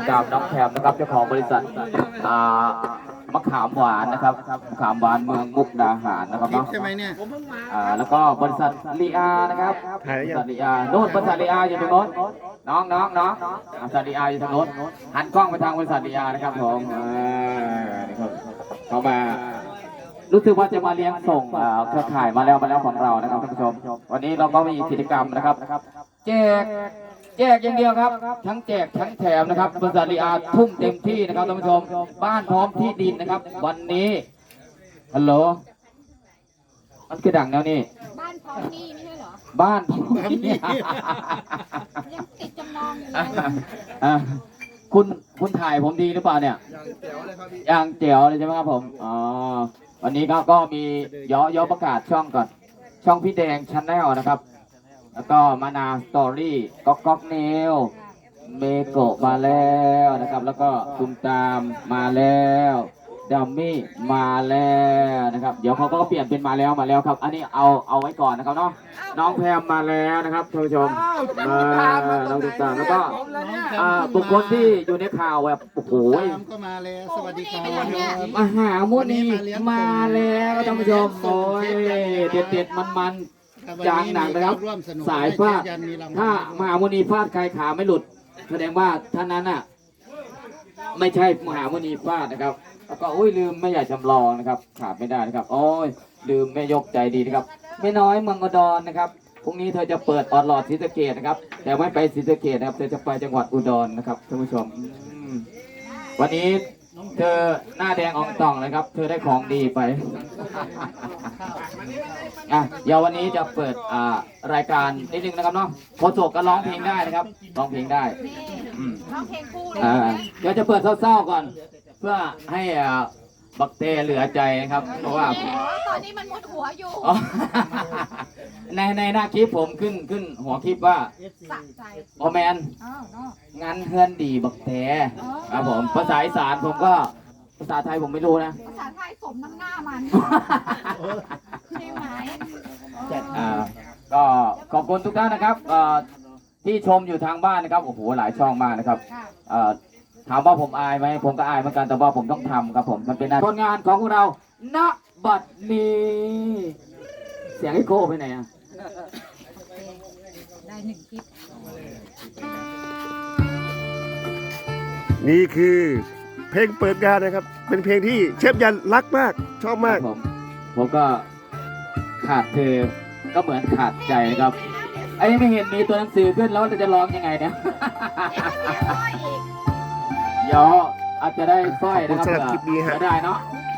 กับน้องแพมนะครับเจ้าของบริษัทมะขามหวานนะครับมะขามหวานเมืองมุกดาหารนะครับเนาะใช่ไหมเนี่ยแล้วก็บริษัทลีอานะครับบริษัทลีอาโน่นบริษัทลีอาอยู่ตรงโน้นน้องบริษัทลีอาอยู่ทางโน้นหันกล้องไปทางบริษัทลีอานะครับผมเขามารู้สึกว่าจะมาเลี้ยงส่งเครือข่ายมาแล้วของเรานะครับท่านผู้ชมวันนี้เราก็มีกิจกรรมนะครับแจกอย่างเดียวครับทั้งแจกทั้งแถมนะครับบริษัทลีอาทุ่มเต็มที่นะครับท่านผู้ชมบ้านพร้อมที่ดินนะครับวันนี้ฮัลโหลมันคือดังแล้วนี่บ้านพร้อมหนี้ไม่ใช่เหรอบ้านพร้อมนี่ยังติดจำนองอยู่เลยคุณถ่ายผมดีหรือเปล่าเนี่ยอย่างเจ๋วเลยใช่ไหมครับผมอ๋อวันนี้ก็มีย่อประกาศช่องก่อนช่องพี่แดงชาแนลนะครับแล้วก็มานาสตอรี่ก๊อกเนลเมโกะมาแล้วนะครับแล้วก็ตุมตามมาแล้วดัมมี่มาแล้วนะครับเดี๋ยวเขาก็เปลี่ยนเป็นมาแล้วครับอันนี้เอาไว้ก่อนนะครับเนาะน้องแพมมาแล้วนะครับท่านผู้ชมน้องตุมตามแล้วก็บุคคลที่อยู่ในข่าวแบบโอ้โหก็มาแล้วสวัสดีครับมหาโมนีมาแล้วท่านผู้ชมโอ้ยเด็ดมันจางหนังนะครับสายฟาดถ้ามหาโมนีฟาดใครขาไม่หลุดแสดงว่าท่านนั้นน่ะไม่ใช่มหาโมนีฟาดนะครับแล้วก็ลืมไม่อยากจำลองนะครับขาดไม่ได้นะครับลืมแม่ยกใจดีนะครับแม่น้อยเมืองอุดรนะครับพรุ่งนี้เธอจะเปิดออดหลอดศรีสะเกษนะครับแต่ไม่ไปศรีสะเกษนะครับเธอจะไปจังหวัดอุดรนะครับท่านผู้ชมวันนี้เธอหน้าแดงอองตองเลยครับเธอได้ของดีไปเดี๋ยววันนี้จะเปิดรายการนิดนึงนะครับเนาะโคโจกก็ร้องเพลงได้นะครับร้องเพลงได้ร้องเพลงคู่เลยเดี๋ยวจะเปิดเศร้าๆก่อนเพื่อให้บักเตเหลือใจนะครับเพราะว่าตอนนี้มันมุดหัวอยู่ในหน้าคลิปผมขึ้นหัวคลิปว่าสะใจโอแมนงานเฮือนดีบักเตครับผมภาษาอีสานผมก็ภาษาไทยผมไม่รู้นะภาษาไทยสมน้ำหน้ามันใช่ไหมก็ขอบคุณทุกท่านนะครับที่ชมอยู่ทางบ้านนะครับโอ้โหหลายช่องมากนะครับถามว่าผมอายไหมผมก็อายเหมือนกันแต่ว่าผมต้องทำครับผมมันเป็นผลงานของพวกเราณบัดนี้เสียงไอ้โก้ไปไหนอ่ะได้หนึ่งคลิปนี่คือเพลงเปิดงานนะครับเป็นเพลงที่เชฟยันรักมากชอบมากผมก็ขาดเธอก็เหมือนขาดใจนะครับไอ้ไม่เห็นมีตัวหนังสือขึ้นแล้วจะร้องยังไงเนี่ยเดี๋ยวอาจจะได้สร้อยนะครับสำหรับคลิปนี้ฮะได้เนาะ